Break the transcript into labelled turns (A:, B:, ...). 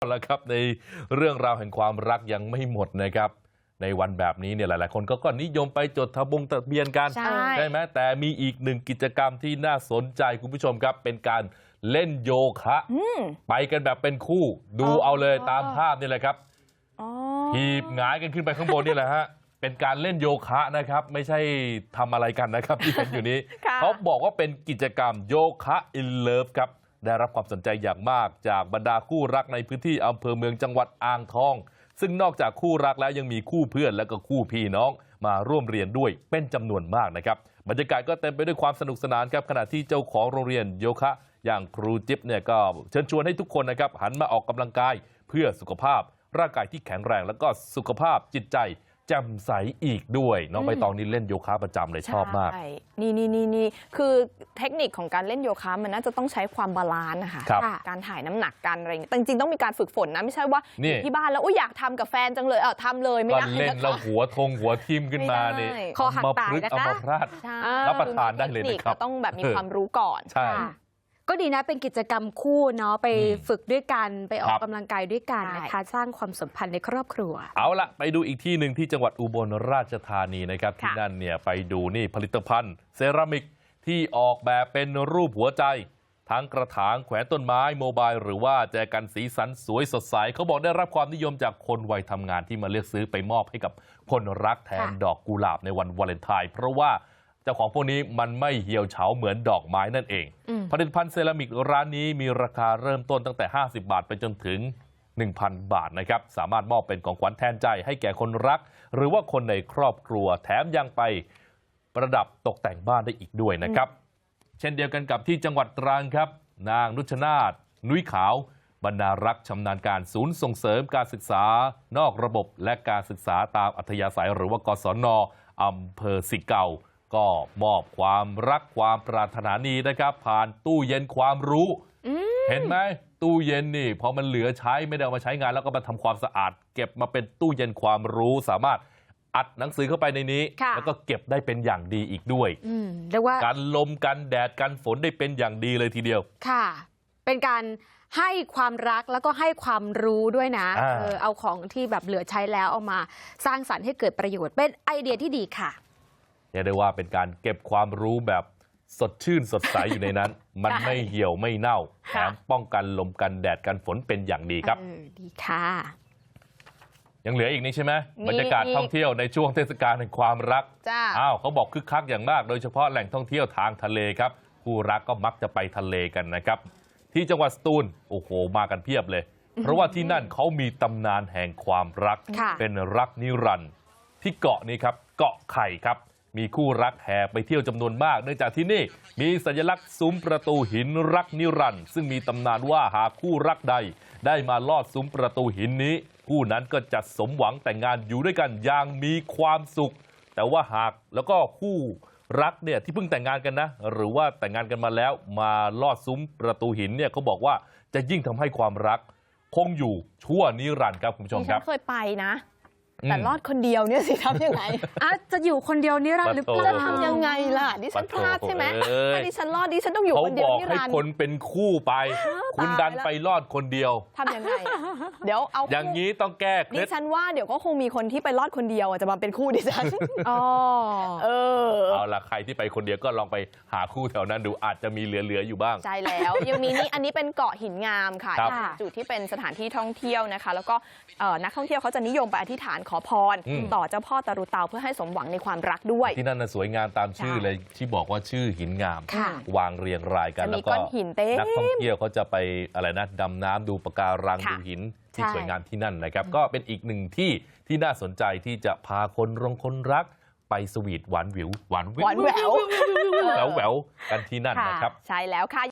A: แล้วครับในเรื่องราวแห่งความรักยังไม่หมดนะครับในวันแบบนี้เนี่ยหลายๆคนก็นิยมไปจดทะเบียนกันใช่ไหมแต่มีอีกหนึ่งกิจกรรมที่น่าสนใจคุณผู้ชมครับเป็นการเล่นโยคะไปกันแบบเป็นคู่ดูเอาเลยตามภาพนี่แหละครับหีบหงายกันขึ้นไปข้างบนนี่แหละฮะเป็นการเล่นโยคะนะครับไม่ใช่ทำอะไรกันนะครับที่เห็นอยู่นี้เขาบอกว่าเป็นกิจกรรมโยคะอินเลิฟครับได้รับความสนใจอย่างมากจากบรรดาคู่รักในพื้นที่อำเภอเมืองจังหวัดอ่างทองซึ่งนอกจากคู่รักแล้วยังมีคู่เพื่อนและก็คู่พี่น้องมาร่วมเรียนด้วยเป็นจำนวนมากนะครับบรรยากาศก็เต็มไปด้วยความสนุกสนานครับขณะที่เจ้าของโรงเรียนโยคะอย่างครูจิ๊บเนี่ยก็เชิญชวนให้ทุกคนนะครับหันมาออกกำลังกายเพื่อสุขภาพร่างกายที่แข็งแรงแล้วก็สุขภาพจิตใจแจ่มใสอีกด้วยน้องใบตองนี่เล่นโยคะประจำเลยชอบมาก
B: นี่คือเทคนิคของการเล่นโยคะมันน่าจะต้องใช้ความบาลานซ์นะคะการถ่ายน้ำหนักกันอะไรอย่างเงี้ยจริงๆต้องมีการฝึกฝนนะไม่ใช่ว่าที่บ้านแล้วอยากทำกับแฟนจังเลยทำเลยไม่ได้
A: เล่นแล้วหัวทิ่มขึ้นมานี่
B: คอหักตายนะคะ
A: พลาดรับประทานได้เลยนะครับ
B: ต้องแบบมีความรู้ก่อน
A: ใช่
C: ก็ดีนะเป็นกิจกรรมคู่เนาะไปฝึกด้วยกันไปออกกำลังกายด้วยกันนะคะสร้างความสัมพันธ์ในครอบครัว
A: เอาละไปดูอีกที่หนึ่งที่จังหวัดอุบลราชธานีนะครับที่นั่นเนี่ยไปดูนี่ผลิตภัณฑ์เซรามิกที่ออกแบบเป็นรูปหัวใจทั้งกระถางแขวนต้นไม้โมบายหรือว่าแจกันสีสันสวยสดใสเขาบอกได้รับความนิยมจากคนวัยทำงานที่มาเลือกซื้อไปมอบให้กับคนรักแทนดอกกุหลาบในวันวาเลนไทน์เพราะว่าเจ้าของพวกนี้มันไม่เหี่ยวเฉาเหมือนดอกไม้นั่นเองผลิตภัณฑ์เซรามิกร้านนี้มีราคาเริ่มต้นตั้งแต่50 บาทไปจนถึง 1,000 บาทนะครับสามารถมอบเป็นของขวัญแทนใจให้แก่คนรักหรือว่าคนในครอบครัวแถมยังไปประดับตกแต่งบ้านได้อีกด้วยนะครับเช่นเดียวกันกับที่จังหวัดตรังครับนางนุชนาถนุ้ยขาวบรรณารักษ์ชำนาญการศูนย์ส่งเสริมการศึกษานอกระบบและการศึกษาตามอัธยาศัยหรือว่ากศน.อำเภอสิเก่าก็มอบความรักความปรารถนาดีนะครับผ่านตู้เย็นความรู้เห็นไหมตู้เย็นนี่พอมันเหลือใช้ไม่ได้เอามาใช้งานแล้วก็มาทำความสะอาดเก็บมาเป็นตู้เย็นความรู้สามารถอัดหนังสือเข้าไปในนี้แล้วก็เก็บได้เป็นอย่างดีอีกด้วย
C: เรียกว่า
A: กันลมกันแดดกันฝนได้เป็นอย่างดีเลยทีเดียว
C: ค่ะเป็นการให้ความรักแล้วก็ให้ความรู้ด้วยนะเอาของที่แบบเหลือใช้แล้วเอามาสร้างสรรค์ให้เกิดประโยชน์เป็นไอเดียที่ดีค่ะ
A: เรียกได้ว่าเป็นการเก็บความรู้แบบสดชื่นสดใสอยู่ในนั้นมันไม่เหี่ยวไม่เน่าแถมป้องกันลมกันแดดกันฝนเป็นอย่างดีครับ
C: ดีค่ะ
A: ยังเหลืออีกนี่ใช่ไหมบรรยากาศท่องเที่ยวในช่วงเทศกาลแห่งความรักเขาบอกคึกคักอย่างมากโดยเฉพาะแหล่งท่องเที่ยวทางทะเลครับคู่รักก็มักจะไปทะเลกันนะครับที่จังหวัดสตูลโอ้โหมากันเพียบเลยเพราะว่าที่นั่นเขามีตำนานแห่งความรักเป็นรักนิรันดร์ที่เกาะนี้ครับเกาะไข่ครับมีคู่รักแห่ไปเที่ยวจำนวนมากเนื่องจากที่นี่มีสัญลักษณ์ซุ้มประตูหินรักนิรันดร์ซึ่งมีตำนานว่าหากคู่รักใดได้มาลอดซุ้มประตูหินนี้คู่นั้นก็จะสมหวังแต่งงานอยู่ด้วยกันอย่างมีความสุขแต่ว่าหากแล้วก็คู่รักเนี่ยที่เพิ่งแต่งงานกันนะหรือว่าแต่งงานกันมาแล้วมาลอดซุ้มประตูหินเนี่ยเขาบอกว่าจะยิ่งทำให้ความรักคงอยู่ชั่วนิรันดร์ครับคุณผู้ชมครับ
B: เคยไปนะแต่รอดคนเดียวเนี่ยสิทำยังไง
C: จะอยู่คนเดียวนิรันดร์หรือ
B: จะทำยังไงล่ะดิฉันพลาดใช่ไหมถ้าดิฉันรอดดิฉันต้องอยู่คนเดียวนิรันดร์
A: เขาบอกให้คนเป็นคู่ไปคุณดันไปรอดคนเดียว
B: ทำยังไงเดี๋ยวเอา
A: อย่างนี้ต้องแก้เคล็ด
B: ดิฉันว่าเดี๋ยวก็คงมีคนที่ไปรอดคนเดียวจะมาเป็นคู่ดิฉัน
A: เอาล่ะใครที่ไปคนเดียวก็ลองไปหาคู่แถวนั้นดูอาจจะมีเหลืออยู่บ้าง
B: ใช่แล้วยังมีนี่อันนี้เป็นเกาะหินงามค่ะจุดที่เป็นสถานที่ท่องเที่ยวนะคะแล้วก็นักท่องเที่ยวเขาจะนิยมไปอธิษฐานขอพรต่อเจ้าพ่อตะรุเตาเพื่อให้สมหวังในความรักด้วย
A: ที่นั่นสวยงามตามชื่อเลยที่บอกว่าชื่อหินงามวางเรียงรายกันแล้วก็นักท่องเที่ยวเขาจะไปอะไรนะดำน้ำดูปะการังดูหินที่สวยงามที่นั่นนะครับก็เป็นอีกหนึ่งที่ที่น่าสนใจที่จะพาคนรักไปสวีทหวานแหววกันที่นั่นนะครับ
B: ใช่แล้วค่ะ